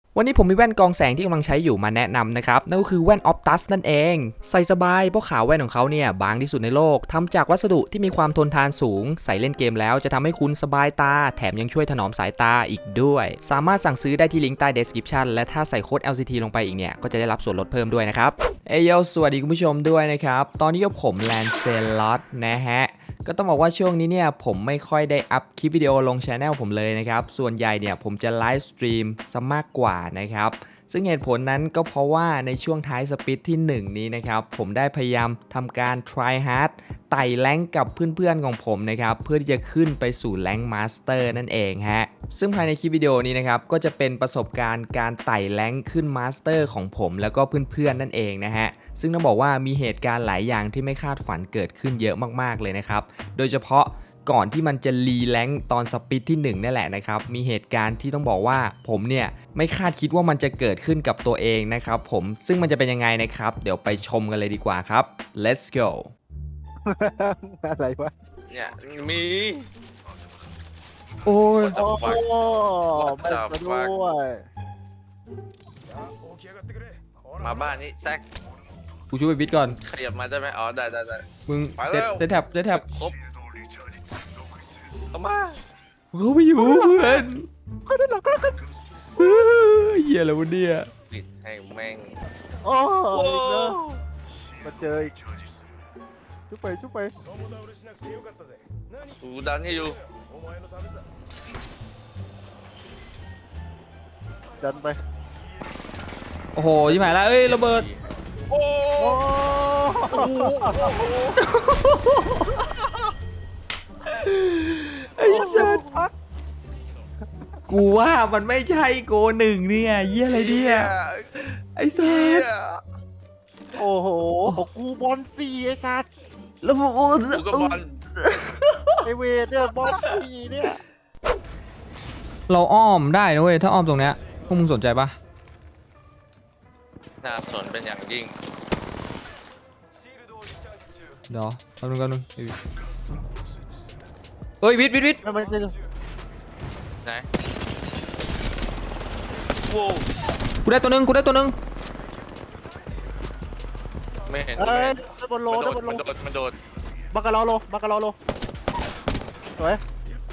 วันนี้ผมมีแว่นกองแสงที่กำลังใช้อยู่มาแนะนำนะครับนั่นก็คือแว่น Optus นั่นเองใส่สบายเพราะขาวแว่นของเขาเนี่ยบางที่สุดในโลกทำจากวัสดุที่มีความทนทานสูงใส่เล่นเกมแล้วจะทำให้คุณสบายตาแถมยังช่วยถนอมสายตาอีกด้วยสามารถสั่งซื้อได้ที่ลิงก์ใต้ description และถ้าใส่โค้ด LCT ลงไปอีกเนี่ยก็จะได้รับส่วนลดเพิ่มด้วยนะครับเอยโยสวัสดีคุณผู้ชมด้วยนะครับตอนนี้กับผมแลนเซลอตนะฮะก็ต้องบอกว่าช่วงนี้เนี่ยผมไม่ค่อยได้อัพคลิปวิดีโอลง channel ผมเลยนะครับส่วนใหญ่เนี่ยผมจะไลฟ์สตรีมซะมากกว่านะครับซึ่งเหตุผลนั้นก็เพราะว่าในช่วงท้ายสปิดที่1นี้นะครับผมได้พยายามทำการ try hard ไต่แรงค์กับเพื่อนๆของผมนะครับเพื่อที่จะขึ้นไปสู่แรงค์มาสเตอร์นั่นเองฮะซึ่งภายในคลิปวิดีโอนี้นะครับก็จะเป็นประสบการณ์การไต่แรงค์ขึ้นมาสเตอร์ของผมแล้วก็เพื่อนๆนั่นเองนะฮะซึ่งต้องบอกว่ามีเหตุการณ์หลายอย่างที่ไม่คาดฝันเกิดขึ้นเยอะมากๆเลยนะครับโดยเฉพาะก่อนที่มันจะรีแรงค์ตอนสปิดที่1นั่นแหละนะครับมีเหตุการณ์ที่ต้องบอกว่าผมเนี่ยไม่คาดคิดว่ามันจะเกิดขึ้นกับตัวเองนะครับผมซึ่งมันจะเป็นยังไงนะครับเดี๋ยวไปชมกันเลยดีกว่าครับ let's go อะไรวะเนี่ยมีโอ้ย What the โอ้ fuck แม่งซะด้วยมาบ้านนี้แซกกูช่วยไปบิดก่อนขยับมาได้ไหมอ๋อได้มึงไปเซแล้วตแท็บครบเข้ามาเขาไม่อยู่เพื่อนเหี้ยอะไรวะเนี่ยปิดให้แม่งโอ้โอ้อีกแล้วมาเจออีกชุบไปกูดันให้อยู่ดันไปโอ้โหยิ่งหายแล้วเอ้ยระเบิดโอ้โอ้ไอ้สัสกูว่ามันไม่ใช่โกหนึ่งเนี่ยเหี้ยอะไรเนี่ยไอ้สัเหี้สยโอ้โหของกูบอลสี่ไอ้สัตว์แล้วผมกูก็บอลไอเวทเนี่ยบอลสี่เนี่ยเราอ้อมได้นะเว้ยถ้าอ้อมตรงเนี้ยพวกมึงสนใจปะน่าสนเป็นอย่างยิ่งเดี๋ยวแป๊บนึงเฮ้ยวิทย์ไม่มันจะไหนโว้กูได้ตัวหนึงไม่เห็นเอ้ยได้บอลโลได้บอลโลมันโดดบังกะลอโลสวย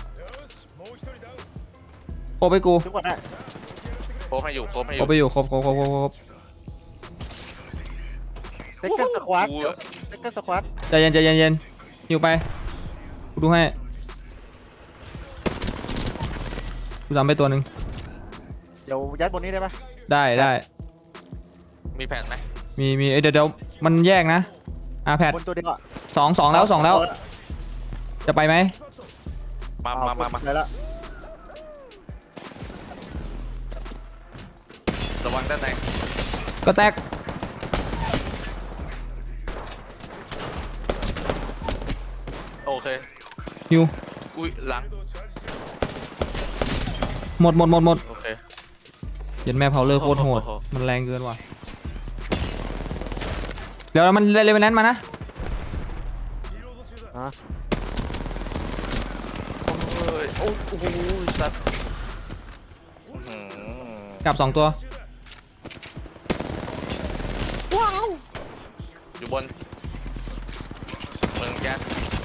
โคไปกูชุบก่อนได้โคบให้อยู่โคไปอยู่ครบเซ็กเกอร์สควอตกูเซ็กเกอร์สควอตใจเย็นหิวไปกูดูให้กูทำไปตัวหนึ่งเดี๋ยวยัดบนนี้ได้ปะได้มีแผ่นไหมมีเดี๋ยวมันแยกนะแพดบนตัวเดียวอะสองแล้วจะไปไหมมาไปแล้วระวังด้านในก็แตกโอเคหิวอุ้ยหลังหมดโอเคเย็นแม่เผาเลอร์โคตรโหดโอ้โหมันแรงเกินว่ะเดี๋ยวมันเลเวลนั้นมานะฮะเฮ้ยโอ้โหสัตว์อื้อหือกลับ2ตัวอยู่บนเมืองแก๊ส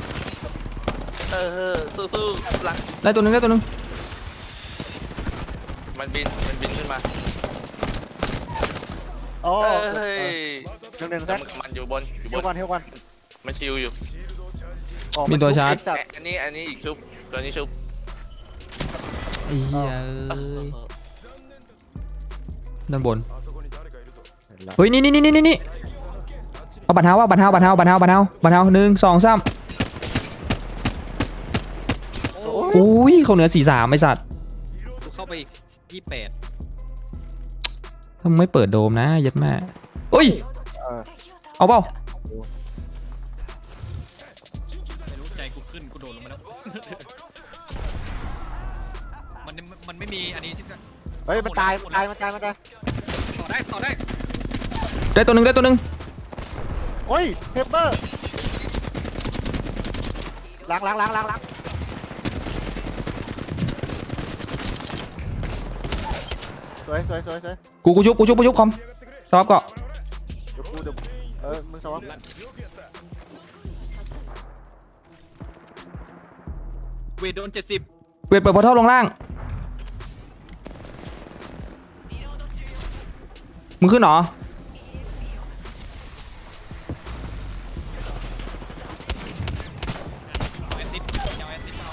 สู้ๆหลังได้ตัวหนึงมันบินขึ้นมาโอ้เฮ้ยหนึ่งแซกมันอยู่บนเที่ยวกันมันชิวอยู่ออกมีตัวชาร์จไอ้สัตว์อันนี้อีกชุบตัวนี้ชุบไอ้เหี้ยด้านบนเฮ้ยนี่เอาบัตรเท้า1 2 3 อุ้ยเขาเหนือ43ไอสัตว์กูเข้าไปอีก28 ทำไมเปิดโดมนะยัดแม่เอ้ยเออเอาเปล่าไม่รู้ใจกูขึ้นกูโดดลงมาแล้ว มันไม่มีอันนี้ใช่ไหมเฮ้ยมันตายต่อได้ได้ตัวหนึ่งโอ้ยเฮปเปอร์ล้างสวยสวยสวยสวยกูชุบคอมสวับก็เดี๋ยวกูเดี๋ยวมึงสวับเวทโดน70 เวทเปิดพอร์ทัลลงล่างมึงขึ้นเหรอเอาแอสซิดเอาแอสซิดเอา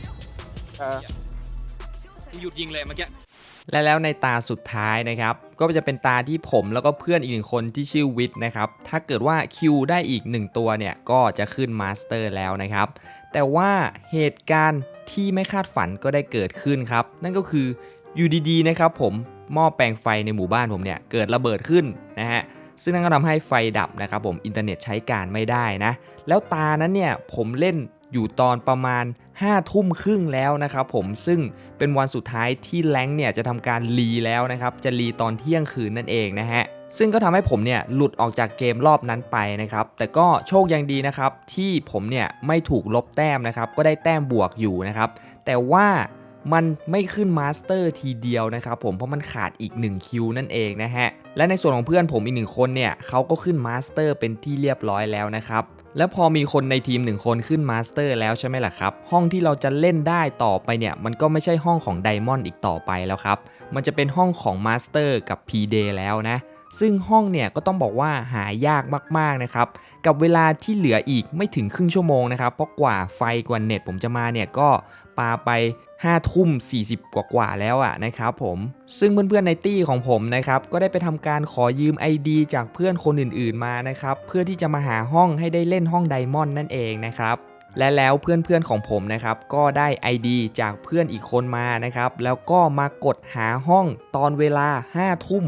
กูหยุดยิงเลยเมื่อกี้และแล้วในตาสุดท้ายนะครับก็จะเป็นตาที่ผมแล้วก็เพื่อนอีกหนึ่งคนที่ชื่อวิทย์นะครับถ้าเกิดว่าคิวได้อีก1ตัวเนี่ยก็จะขึ้นมาสเตอร์แล้วนะครับแต่ว่าเหตุการณ์ที่ไม่คาดฝันก็ได้เกิดขึ้นครับนั่นก็คืออยู่ดีๆนะครับผมหม้อแปลงไฟในหมู่บ้านผมเนี่ยเกิดระเบิดขึ้นนะฮะซึ่งนั่นก็ทำให้ไฟดับนะครับผมอินเทอร์เน็ตใช้การไม่ได้นะแล้วตานั้นเนี่ยผมเล่นอยู่ตอนประมาณ5 ทุ่มครึ่งแล้วนะครับผมซึ่งเป็นวันสุดท้ายที่แรงค์เนี่ยจะทำการรีแล้วนะครับจะรีตอนเที่ยงคืนนั่นเองนะฮะซึ่งก็ทำให้ผมเนี่ยหลุดออกจากเกมรอบนั้นไปนะครับแต่ก็โชคยังดีนะครับที่ผมเนี่ยไม่ถูกลบแต้มนะครับก็ได้แต้มบวกอยู่นะครับแต่ว่ามันไม่ขึ้นมาสเตอร์ทีเดียวนะครับผมเพราะมันขาดอีก1คิวนั่นเองนะฮะและในส่วนของเพื่อนผมอีก1คนเนี่ยเขาก็ขึ้นมาสเตอร์เป็นที่เรียบร้อยแล้วนะครับแล้วพอมีคนในทีม1คนขึ้นมาสเตอร์แล้วใช่ไหมล่ะครับห้องที่เราจะเล่นได้ต่อไปเนี่ยมันก็ไม่ใช่ห้องของไดมอนด์อีกต่อไปแล้วครับมันจะเป็นห้องของมาสเตอร์กับ P-Day แล้วนะซึ่งห้องเนี่ยก็ต้องบอกว่าหายากมากๆนะครับกับเวลาที่เหลืออีกไม่ถึงครึ่งชั่วโมงนะครับเพราะกว่าไฟกว่าเน็ตผมจะมาเนี่ยก็ปาไป5 ทุ่ม 40 กว่าแล้วอ่ะนะครับผมซึ่งเพื่อนๆในตี้ของผมนะครับก็ได้ไปทำการขอยืม ID จากเพื่อนคนอื่นๆมานะครับเพื่อที่จะมาหาห้องให้ได้เล่นห้องไดมอนด์นั่นเองนะครับและแล้วเพื่อนๆของผมนะครับก็ได้ ID จากเพื่อนอีกคนมานะครับแล้วก็มากดหาห้องตอนเวลา5 ทุ่ม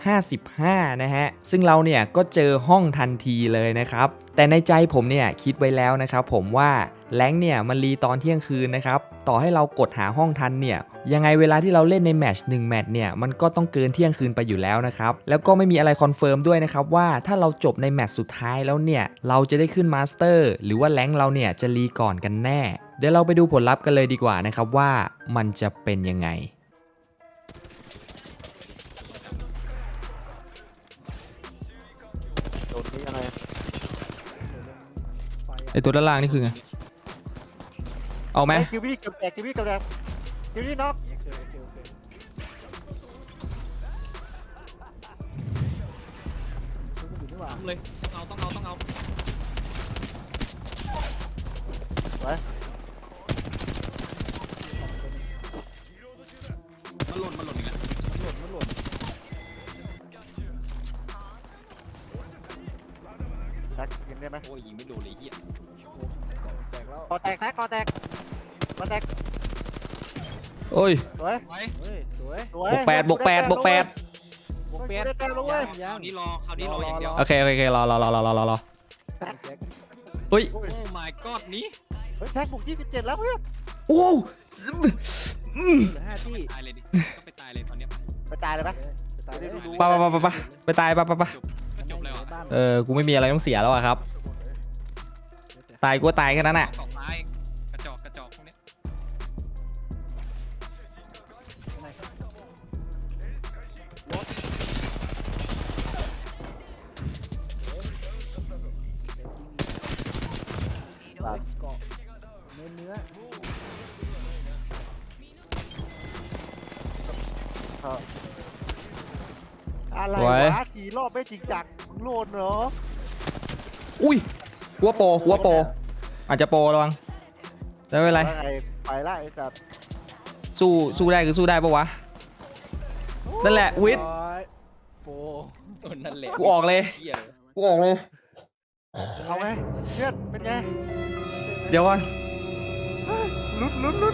55นะฮะซึ่งเราเนี่ยก็เจอห้องทันทีเลยนะครับแต่ในใจผมเนี่ยคิดไว้แล้วนะครับผมว่าแรงค์เนี่ยมันรีตอนเที่ยงคืนนะครับต่อให้เรากดหาห้องทันเนี่ยยังไงเวลาที่เราเล่นในแมตช์1แมตช์เนี่ยมันก็ต้องเกินเที่ยงคืนไปอยู่แล้วนะครับแล้วก็ไม่มีอะไรคอนเฟิร์มด้วยนะครับว่าถ้าเราจบในแมตช์สุดท้ายแล้วเนี่ยเราจะได้ขึ้นมาสเตอร์หรือว่าแรงค์เราเนี่ยจะรีก่อนกันแน่เดี๋ยวเราไปดูผลลัพธ์กันเลยดีกว่านะครับว่ามันจะเป็นยังไงโดนนี่อะไรไอตัวด้านล่างนี่คือไงเอาไหมคิวบี้กับแตกคิวบี้กับแตกคิวบี้น็อกต้องเลยต้องเอาไปมันหล่นอีกแล้วชักยิงได้ไหมโอ้ยยิงไม่โดนเลยเฮียคอแตกแซกคอแตกคอแตกโอ้ยสวยไปสวยบวก8บวก8บวก8 ได้แต้มแล้วเว้ยคราวนี้รออย่างเดียวโอเครอเฮ้ยโอ้ my god นี้เฮ้ยแซกบุก27แล้วเพื่อนโอ้ตายเลยดิก็ไปตายเลยตอนเนี้ยไปตายเลยปะปะไปตายปะก็จบแล้วอ่ะกูไม่มีอะไรต้องเสียแล้วอะครับตายกูตายแค่นั้นอะเกาะซ้ายกระจอกพวกเนี้ยอะไรวะ4 รอบไม่จริงจังมึงโลนเหรออุ้ยกูว่าโปรอาจจะโปรระวังแต่ไม่เป็นไรไปละไอ้สัตว์สู้ได้คือสู้ได้ปะวะนั่นแหละวิทย์นั่นแหละกูออกเลยเหี้ยเอาไงเพื่อนเป็นไงเดี๋ยวก่อนลุ้น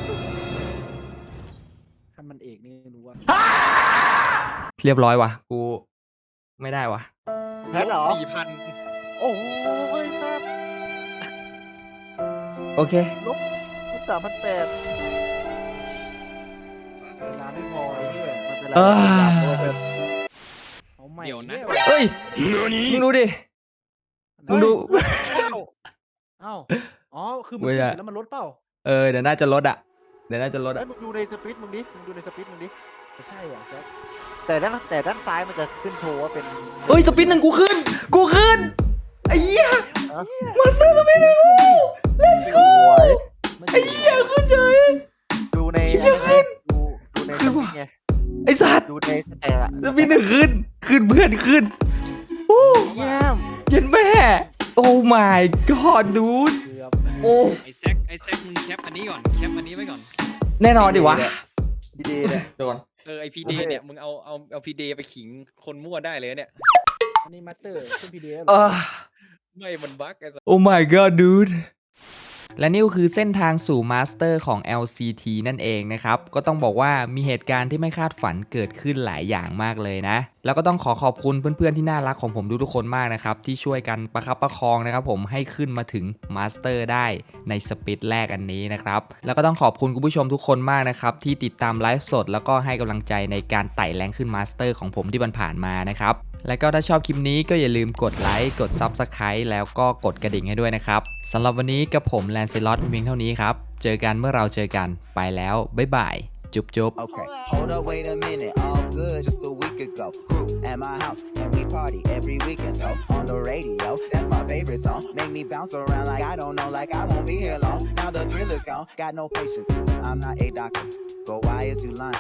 ถ้ามันเอกนี่รู้ว่าเรียบร้อยว่ะกูไม่ได้ว่ะแพ้เหรอ 4,000 โอ้โหไอ้สัตว์โอเคลบ3,800เวลาไม่พอไอ้เหี้ยมันเป็นไรเอาใหม่เดี๋ยวนะเฮ้ยมึงดูดิมึงดูเอ้าอ๋อคือมันเว้ยอะแล้วมันลดเปล่าเดี๋ยวน่าจะลดอะไอ้มึงดูในสปิทมึงดิมึงดูในสปิทมึงดิไม่ใช่เหรอแซคแต่ด้านซ้ายมันจะขึ้นโชว์ว่าเป็นเอ้ยสปินหนึ่งกูขึ้นไอ้เหี้ยมาสเตอร์สปินหนึ่งกู let's go ไม่ไอ้เหี้ยขึ้นเฉยดูในเหี้ยขึ้นดูในขึ้สนปิว่ะนไงไอ้สัตว์ดูในสแตทอะสปินหนึ่งขึ้นเพื่อนขึ้นโอ้เยี่ยมเย็นแม่โอ้ my god dude เกือบโอ้ไอ้แซกมึงแคปอันนี้ก่อนแคปอันนี้ไว้ก่อนแน่นอนดิวะดีดีเลยโดนไอพีเดเนี่ยมึงเอาพีเดไปขิงคนมั่วได้เลยเนี่ยอันนี้มาสเตอร์ขึ้นพีดีเอฟไม่มันบั๊กไอ้สัสโอ้ my god dude และนี่ก็คือเส้นทางสู่มาสเตอร์ของ LCT นั่นเองนะครับ ก็ต้องบอกว่ามีเหตุการณ์ที่ไม่คาดฝันเกิดขึ้นหลายอย่างมากเลยนะ แล้วก็ต้องขอบคุณเพื่อนๆที่น่ารักของผมทุกๆคนมากนะครับ ที่ช่วยกันประคับประคองนะครับผมให้ขึ้นมาถึงมาสเตอร์ได้ในสปิดแรกอันนี้นะครับ แล้วก็ต้องขอบคุณคุณผู้ชมทุกคนมากนะครับที่ติดตามไลฟ์สดแล้วก็ให้กำลังใจในการไต่แรงขึ้นมาสเตอร์ของผมที่ผ่านมานะครับ และก็ถ้าชอบคลิปนี้ก็อย่าลืมกดไลค์กด Subscribe แล้วก็กดกระดิ่งให้ด้วยนะครับสำหรับวันนี้กับผมแลนซิลอตเพียงเท่านี้ครับเจอกันเมื่อเราเจอกันไปแล้วบ๊ายบายจุ๊บ Okay, hold up, wait a minute. All good, just a week ago. Crew at my house, and we party every weekend. So on the radio, that's my favorite song. Make me bounce around like I don't know, like I won't be here long. Now the thrill is gone, got no patience. I'm not a doctor. Go, why is you lying?